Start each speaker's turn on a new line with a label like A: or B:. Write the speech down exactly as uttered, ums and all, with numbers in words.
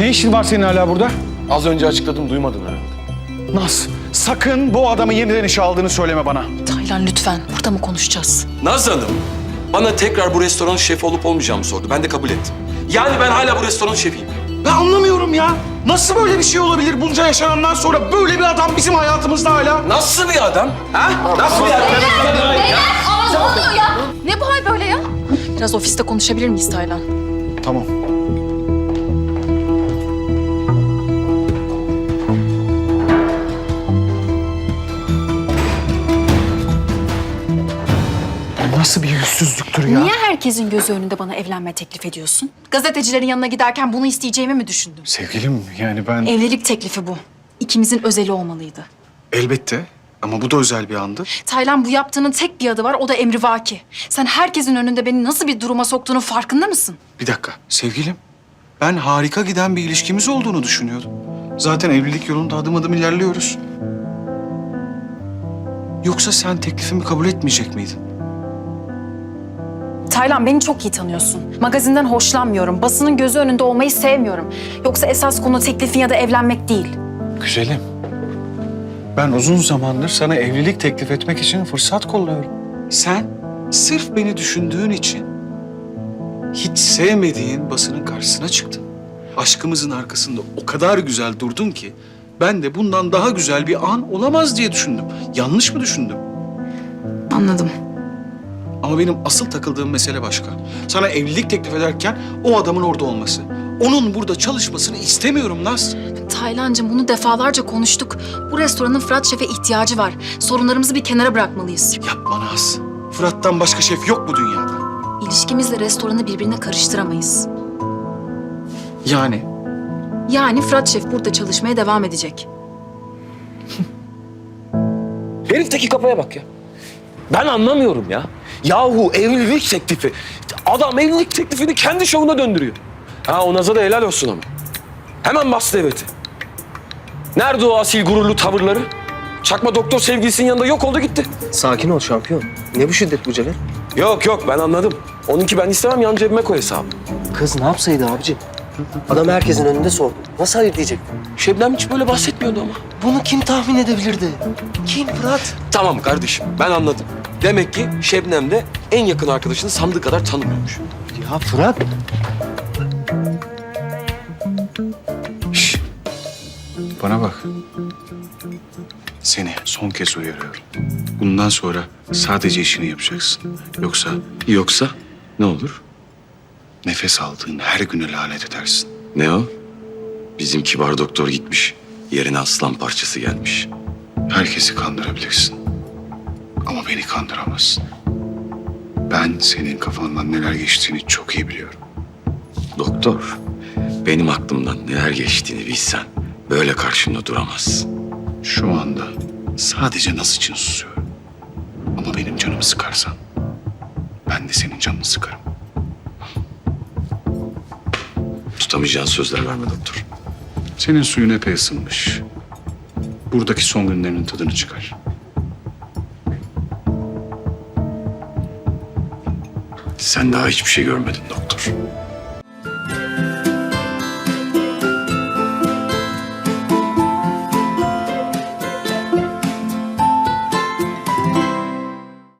A: Ne işin var senin hala burada?
B: Az önce açıkladım, duymadın herhalde.
A: Naz, sakın bu adamı yeniden işe aldığını söyleme bana.
C: Taylan lütfen, burada mı konuşacağız?
B: Naz Hanım, bana tekrar bu restoranın şefi olup olmayacağımı sordu. Ben de kabul ettim. Yani ben hala bu restoranın şefiyim.
A: Ben anlamıyorum ya. Nasıl böyle bir şey olabilir bunca yaşanandan sonra böyle bir adam bizim hayatımızda hala?
B: Nasıl bir adam? Ha? Nasıl bir adam?
C: Aa, ne oluyor ya? Ne bu hal böyle ya? Biraz ofiste konuşabilir miyiz Taylan?
A: Tamam. Bu nasıl bir yüzsüzlüktür ya?
C: Niye herkesin gözü önünde bana evlenme teklif ediyorsun? Gazetecilerin yanına giderken bunu isteyeceğimi mi düşündün?
A: Sevgilim, yani ben...
C: Evlilik teklifi bu. İkimizin özeli olmalıydı.
A: Elbette ama bu da özel bir andı.
C: Taylan, bu yaptığının tek bir adı var, o da emrivaki. Sen herkesin önünde beni nasıl bir duruma soktuğunun farkında mısın?
A: Bir dakika, sevgilim. Ben harika giden bir ilişkimiz olduğunu düşünüyordum. Zaten evlilik yolunda adım adım ilerliyoruz. Yoksa sen teklifimi kabul etmeyecek miydin?
C: Taylan, beni çok iyi tanıyorsun. Magazinden hoşlanmıyorum. Basının gözü önünde olmayı sevmiyorum. Yoksa esas konu teklifin ya da evlenmek değil.
A: Güzelim. Ben uzun zamandır sana evlilik teklif etmek için fırsat kolluyorum. Sen sırf beni düşündüğün için hiç sevmediğin basının karşısına çıktın. Aşkımızın arkasında o kadar güzel durdun ki ben de bundan daha güzel bir an olamaz diye düşündüm. Yanlış mı düşündüm?
C: Anladım.
A: Ama benim asıl takıldığım mesele başka. Sana evlilik teklif ederken o adamın orada olması. Onun burada çalışmasını istemiyorum Naz.
C: Taylancığım, bunu defalarca konuştuk. Bu restoranın Fırat Şef'e ihtiyacı var. Sorunlarımızı bir kenara bırakmalıyız.
A: Yapma Naz. Fırat'tan başka şef yok bu dünyada.
C: İlişkimizle restoranı birbirine karıştıramayız.
A: Yani
C: Yani Fırat Şef burada çalışmaya devam edecek.
B: Herifteki kafaya bak ya. Ben anlamıyorum ya. Yahu evlilik teklifi. Adam evlilik teklifini kendi şovuna döndürüyor. Ha, o Naz'a da helal olsun ama. Hemen bastı eveti. Nerede o asil gururlu tavırları? Çakma doktor sevgilisinin yanında yok oldu gitti.
D: Sakin ol şampiyon. Ne bu şiddet bu Celal?
B: Yok yok, ben anladım. Onunki ben istemem, yan cebime koy hesabı.
D: Kız ne yapsaydı abici? Adam herkesin önünde sordu. Nasıl hayır diyecekti?
B: Şebnem hiç böyle bahsetmiyordu ama.
D: Bunu kim tahmin edebilirdi? Kim Fırat?
B: Tamam kardeşim, ben anladım. Demek ki Şebnem de en yakın arkadaşını sandığı kadar tanımıyormuş.
D: Ya Fırat.
A: Şş. Bana bak. Seni son kez uyarıyorum. Bundan sonra sadece işini yapacaksın. Yoksa
B: Yoksa ne olur?
A: nefes aldığın her güne lanet edersin.
B: Ne o? Bizim kibar doktor gitmiş. Yerine aslan parçası gelmiş.
A: Herkesi kandırabilirsin. Ama beni kandıramazsın. Ben senin kafandan neler geçtiğini çok iyi biliyorum.
B: Doktor, benim aklımdan neler geçtiğini bilsen böyle karşımda duramazsın.
A: Şu anda sadece Naz için susuyorum. Ama benim canımı sıkarsan ben de senin canını sıkarım.
B: Tutamayacağın sözler verme doktor.
A: Senin suyun epey ısınmış. Buradaki son günlerinin tadını çıkar.
B: Sen daha hiçbir şey görmedin doktor.